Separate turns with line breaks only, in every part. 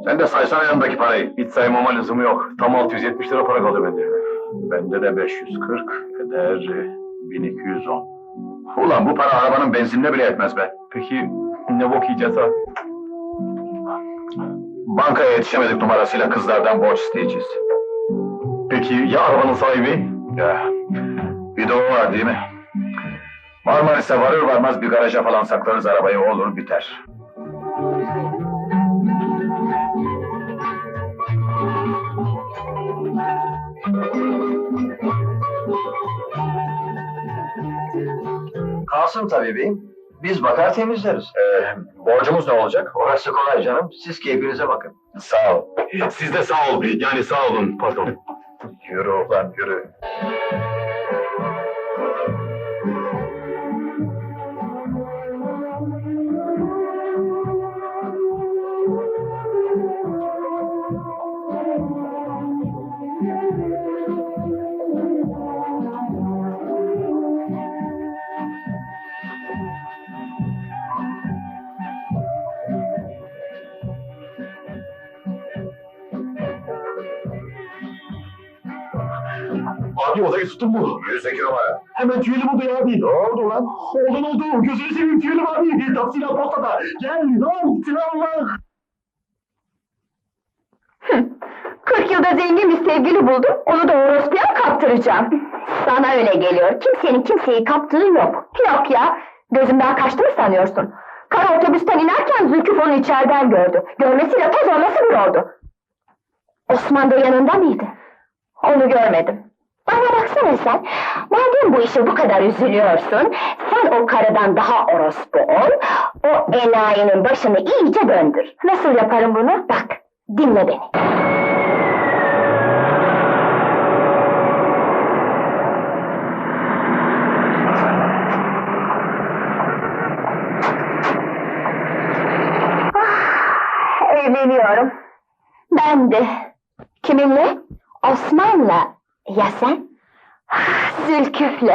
Sen de saysana yanındaki parayı. Hiç saymama lüzumu yok. Tam 670 lira para kaldı bende. Bende de 540 eder 1210. Ulan bu para arabanın benzinine bile yetmez be. Peki ne bok yiyeceğiz abi? Bankaya yetişemedik numarasıyla kızlardan borç isteyeceğiz. Peki ya arabanın sahibi? Ya, bir de o var değil mi? Marmaris'e varır varmaz bir garaja falan saklarız arabayı, olur biter.
Kalsın tabii beyim. Biz bakar temizleriz.
Borcumuz ne olacak?
Orası kolay canım. Siz keyfinize bakın.
Sağ ol. Siz de sağ ol. Yani sağ olun, pardon. Yürü ulan, yürü.
Abi odayı tuttun mu?
102 numara.
Hemen tüyelim odayı abi.
Ne oldu lan?
Oldu. Gözünü seveyim tüyelim abi. Taksiyle postada. Gel. Ne oldu? Allah.
40 yılda zengin bir sevgili buldum, onu da orospuya kaptıracağım. Sana öyle geliyor, kimsenin kimseyi kaptığı yok. Yok ya, gözümden kaçtı mı sanıyorsun? Kara otobüsten inerken Zülküf onu içeriden gördü. Görmesiyle toz olması bir oldu. Osman da yanında mıydı? Onu görmedim. Bana baksana sen, madem bu işe bu kadar üzülüyorsun, sen o karıdan daha orospu ol, o enayinin başını iyice döndür. Nasıl yaparım bunu? Bak, dinle beni. Evleniyorum. Ben de. Kiminle? Osman'la. Ya sen? Zülküf'le.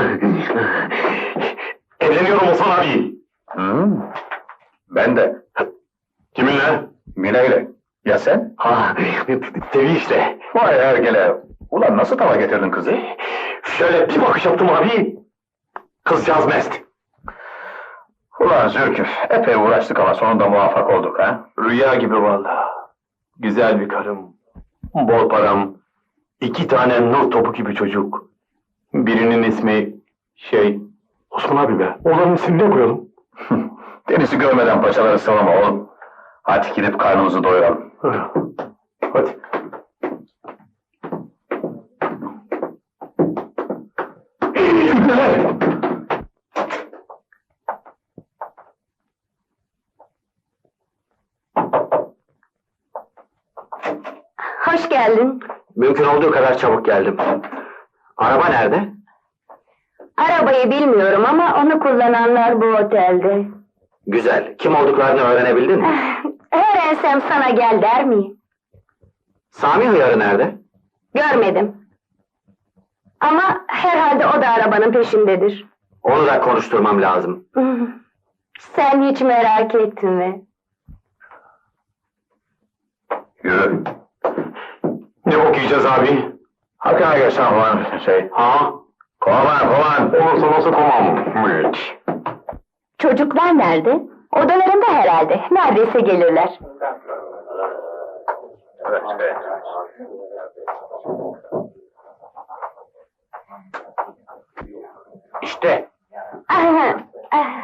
Evleniyorum Osman abi.
Ben de.
Kiminle?
Mine'yle. Ya sen?
Ha, Sevi işte.
Vay ergele. Ulan nasıl tava getirdin kızı?
Şöyle bir bakış yaptım abi. Kızcağız mest.
Ulan Zülküf, epey uğraştık ama sonunda muvaffak olduk ha?
Rüya gibi vallahi. Güzel bir karım. Bol param. 2 tane nur topu gibi çocuk. Birinin ismi Osman abi be. Oğlanın ismini ne koyalım?
Denizi görmeden paçaları sıvama oğlum. Hadi gidip karnımızı doyuralım.
Hadi.
Hoş geldin.
Mümkün olduğu kadar çabuk geldim. Araba nerede?
Arabayı bilmiyorum ama onu kullananlar bu otelde.
Güzel. Kim olduklarını öğrenebildin mi?
Öğrensem sana gel der miyim?
Sami Hıyarı nerede?
Görmedim. Ama herhalde o da arabanın peşindedir.
Onu da konuşturmam lazım.
Sen hiç merak etme.
Yürü.
Ne bok yiyeceğiz abi?
Hakkına geçen ulan
Ha?
Kovan.
Olursa nasıl komam?
Çocuklar nerede? Odalarında herhalde. Neredeyse gelirler.
Evet.
İşte.
Ah, ah.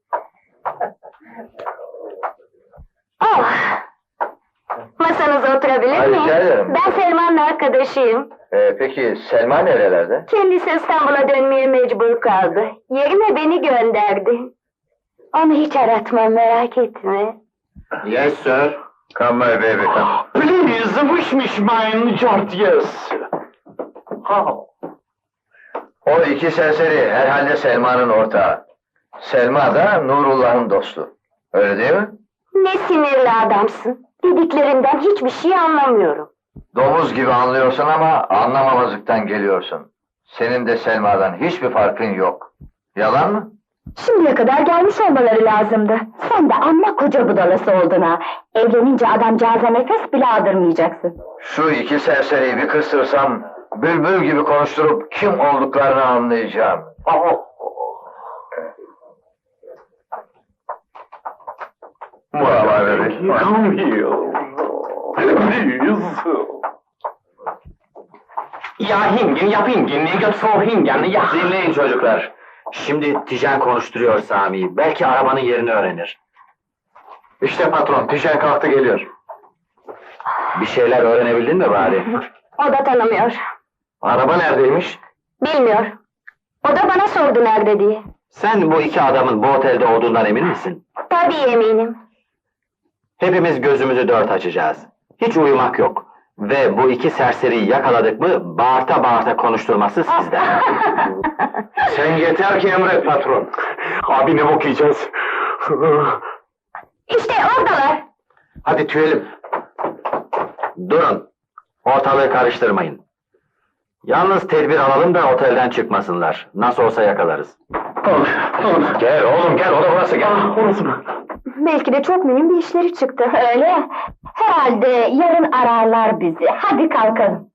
Oh. Masanıza oturabilir
Ay,
miyim?
rica ederim.
Ben Selman'la arkadaşıyım.
Peki Selma nerelerde?
Kendisi İstanbul'a dönmeye mecbur kaldı. Yerine beni gönderdi. Onu hiç aratmam, merak etme.
Yes sir.
Come my baby, come.
Please wish mine George yes.
O 2 serseri herhalde Selma'nın ortağı. Selma da Nurullah'ın dostu. Öyle değil mi?
Ne sinirli adamsın. Dediklerinden hiçbir şey anlamıyorum.
Domuz gibi anlıyorsun ama anlamamazlıktan geliyorsun. Senin de Selma'dan hiçbir farkın yok. Yalan mı?
Şimdiye kadar gelmiş olmaları lazımdı. Sen de amma koca budalası oldun ha. Evlenince adamcağıza nefes bile aldırmayacaksın.
Şu iki serseriyi bir kıstırsam, bülbül gibi konuşturup kim olduklarını anlayacağım.
Come here. Please.
Ja, hingen, ja, pingen, ni gött få hingen, ja.
Dinleyin çocuklar. Şimdi Tijen konuşturuyor Sami'yi. Belki arabanın yerini öğrenir.
İşte patron, Tijen kalktı geliyor.
Bir şeyler öğrenebildin mi bari?
O da tanımıyor.
Araba neredeymiş?
Bilmiyor. O da bana sordu nerede diye.
Sen bu iki adamın bu otelde olduğundan emin misin?
Tabii eminim.
Hepimiz gözümüzü dört açacağız. Hiç uyumak yok. Ve bu iki serseriyi yakaladık mı bağırta bağırta konuşturması sizden. Sen yeter ki emret patron.
Abi ne bok yiyeceğiz?
İşte oradalar.
Hadi tüyelim. Durun. Ortalığı karıştırmayın. Yalnız tedbir alalım da otelden çıkmasınlar. Nasıl olsa yakalarız. Gel oğlum gel, o da burası gel.
Orası mı?
Belki de çok mühim bir işleri çıktı. Öyle ya. Herhalde yarın ararlar bizi. Hadi kalkalım.